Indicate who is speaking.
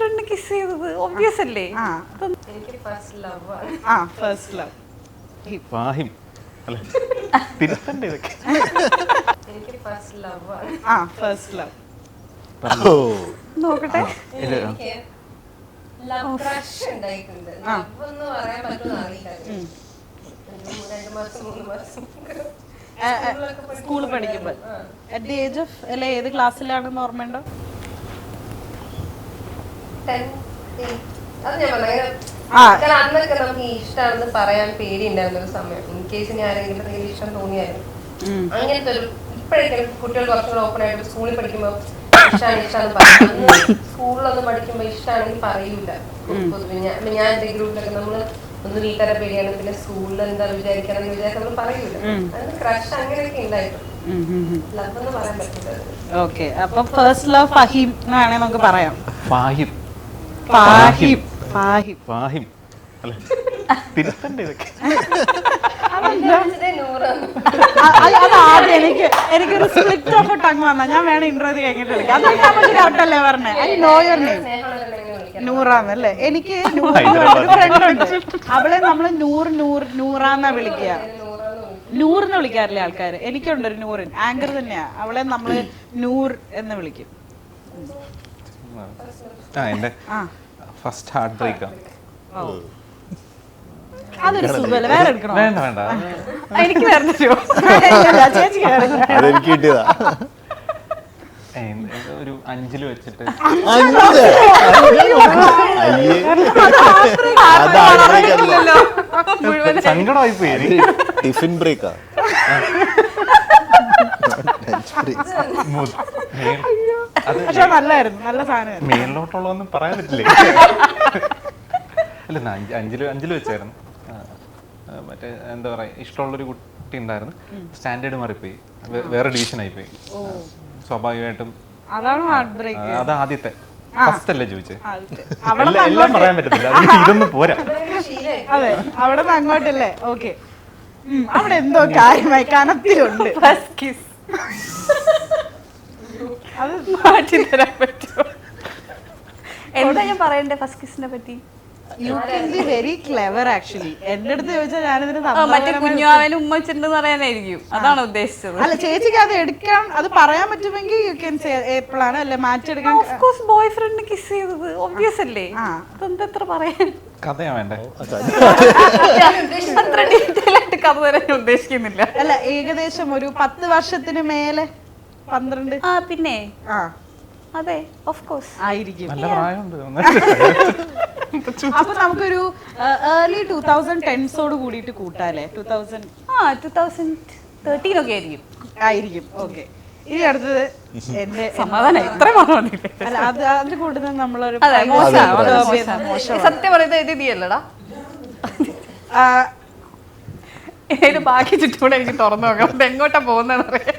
Speaker 1: Front kiss ചെയ്തത് obvious അല്ലേ?
Speaker 2: എനിക്ക് ഫസ്റ്റ് ലവ് ആണ്.
Speaker 3: ഫസ്റ്റ് ലവ്
Speaker 4: ഫാഹിം അല്ലേ? തിരുത്തണ്ടേ ഇതൊക്കെ?
Speaker 2: എനിക്ക് ഫസ്റ്റ് ലവ് ആണ്.
Speaker 3: ഫസ്റ്റ് ലവ്
Speaker 1: നോക്കട്ടെ.
Speaker 2: എനിക്ക് ലവ് ക്രഷ് ഉണ്ടായിട്ടുണ്ട്. ലവ് എന്ന് പറയാൻ പറ്റുമെന്ന് അറിയില്ല. 2 മാസം 3 മാസം
Speaker 3: സ്കൂളിൽ പഠിക്കുമ്പോൾ അറ്റ് ദി ഏജ് ഓഫ് അല്ലെ ഏത് ക്ലാസ്സിലാണെന്ന് ഓർമ്മയുണ്ടോ?
Speaker 2: 10, 8 അത് ഞാൻ പറഞ്ഞു. അന്നൊക്കെ നമുക്ക് ഇഷ്ടമാണെന്ന് പറയാൻ പേടിയുണ്ടായിരുന്ന ഒരു സമയം. ഇൻ കേസ് ഞാൻ ആരെങ്കിലും ഇഷ്ടം തോന്നിയാലും അങ്ങനത്തെ ഒരു ഇപ്പോഴൊക്കെ കുട്ടികൾ കുറച്ചുകൂടെ ഓപ്പൺ ആയിട്ട് സ്കൂളിൽ പഠിക്കുമ്പോൾ ഇഷ്ടമാണ് പറയും. സ്കൂളിലൊന്നും പഠിക്കുമ്പോൾ ഇഷ്ടമാണെങ്കിൽ പറയൂല. പൊതുവെ ഞാൻ എന്റെ ഗ്രൂപ്പിലൊക്കെ നമ്മള് ഒന്ന് വീട്ടുകാരെ പേടിയാണ്, പിന്നെ സ്കൂളിൽ എന്താ വിചാരിക്കണം നമ്മൾ പറയൂല. അത് ക്രഷ് അങ്ങനെയൊക്കെ ഉണ്ടായിട്ടു. ലവ് എന്ന് പറയാൻ പറ്റില്ല.
Speaker 3: ഓക്കെ, അപ്പൊ ഫസ്റ്റ് ലവ് ഫഹീം എന്നാണ് നമുക്ക് പറയാം.
Speaker 4: ഫാഹിം
Speaker 3: ഫാഹിം ഫാഹിം
Speaker 4: ഫാഹിം അല്ലേ? തിരുത്തണ്ടേ ഇതൊക്കെ?
Speaker 3: അതാദ്യം എനിക്കൊരു സ്പ്ലിറ്റ് ഓഫ് ടങ് വന്നാ ഞാൻ വേണം ഇന്റർവ്യൂ കഴിഞ്ഞിട്ട് വിളിക്കാം. അതൊക്കെ നമുക്ക് ഡൗട്ടല്ലേ പറഞ്ഞേ? ഐ നോ യുവർ നെയിം നൂറാന്നല്ലേ? എനിക്ക് ഒരു ഫ്രണ്ട് ഉണ്ട്, അവളെ നമ്മള് നൂറാന്നാ വിളിക്കുക. നൂറിന്ന് വിളിക്കാറില്ലേ ആൾക്കാര്? എനിക്കുണ്ട് ഒരു നൂറിൻ ആങ്കർ തന്നെയാ, അവളെ നമ്മള് നൂർ എന്ന് വിളിക്കും.
Speaker 4: എന്റെ ഫസ്റ്റ് ഹാർട്ട് ബ്രേക്കാ.
Speaker 3: അതൊരു സുഖമല്ല, വേറെ എടുക്കണോ?
Speaker 4: വേണ്ട വേണ്ട,
Speaker 3: എനിക്ക് വേറെ ചേച്ചിക്ക് വേറെ.
Speaker 5: അതെനിക്ക് കിട്ടിയതാ.
Speaker 4: ഒരു 5 വെച്ചിട്ട് സങ്കടമായി പോയി.
Speaker 5: ടിഫിൻ ബ്രേക്കാ.
Speaker 3: പക്ഷെ നല്ലായിരുന്നു, നല്ല സാധനമായിരുന്നു.
Speaker 4: മേലിലോട്ടുള്ളതൊന്നും പറയാൻ പറ്റില്ലേ? അല്ല, 5 വെച്ചായിരുന്നു. മറ്റേ എന്താ പറയാ, ഇഷ്ടമുള്ളൊരു കുട്ടി ഉണ്ടായിരുന്നു. സ്റ്റാൻഡേർഡ് മാറിപ്പോയി, വേറെ ഡിവിഷൻ ആയിപ്പോയി. സ്വാഭാവികമായിട്ടും
Speaker 3: അതാണ് ഹാർട്ട് ബ്രേക്ക്.
Speaker 4: അത് ആദ്യത്തെ ഫസ്റ്റ് അല്ലേ ചോദിച്ചത്?
Speaker 3: അവിടെ
Speaker 4: എല്ലാം പറയാൻ പറ്റത്തില്ല, ഇതൊന്നും പോരാ.
Speaker 3: അതെ, അവിടെ നിന്ന് അങ്ങോട്ടല്ലേ? ഓക്കെ, അവിടെ എന്തോ കാര്യമായി കനത്തിലുണ്ട്. ഫസ്റ്റ് കിസ് അത് മാറ്റി തരാൻ പറ്റുമോ?
Speaker 1: എന്താ ഞാൻ പറയണ്ടേ ഫസ്റ്റ് കിസിനെ പറ്റി?
Speaker 3: You can be very clever actually. എന്റെ അടുത്ത് ചോദിച്ചാൽ ഞാനിതിന്
Speaker 1: മറ്റേ കുഞ്ഞുവാവനും ഉമ്മ വെച്ചിട്ടുണ്ടെന്ന് പറയാനായിരിക്കും, അതാണ് ഉദ്ദേശിച്ചത്.
Speaker 3: അല്ല, ചേച്ചിക്ക് അത് എടുക്കാൻ, അത് പറയാൻ പറ്റുമെങ്കിൽ യു കെൻ സേ എപ്പോഴാണ് അല്ലെ മാറ്റിയെടുക്കാൻ.
Speaker 1: Of course boyfriend kiss ചെയ്തത് ഒബ്വിയസ് അല്ലേ? അതെന്താ പറയാൻ?
Speaker 4: കഥയാ വേണ്ടേ?
Speaker 1: അത്ര ഡീറ്റെയിൽ ആയിട്ട് കഥ തരാൻ ഞാൻ ഉദ്ദേശിക്കുന്നില്ല.
Speaker 3: അല്ല, ഏകദേശം ഒരു 10 വർഷത്തിന് മേലെ, 12.
Speaker 1: പിന്നെ അതെ, ഓഫ് കോഴ്സ്
Speaker 4: ആയിരിക്കും. നല്ല പ്രായമുണ്ട്.
Speaker 3: അപ്പൊ നമുക്കൊരു ഏർലി 2010s കൂടിയിട്ട് കൂട്ടാല്ലേ?
Speaker 1: 2013 ഒക്കെ
Speaker 3: ആയിരിക്കും. ഓക്കെ, ഇനി അടുത്തത് എന്റെ
Speaker 1: സമാധാനം ഇത്ര മാത്രം.
Speaker 3: അല്ല, അതിൽ കൂടുതൽ നമ്മളൊരു
Speaker 1: സത്യം പറയുന്നത് എഴുതിയല്ലടാ. ബാക്കി ചുറ്റൂടെ എനിക്ക് തുറന്നു നോക്കാം, എങ്ങോട്ടാ പോകുന്നതെന്ന് അറിയാം.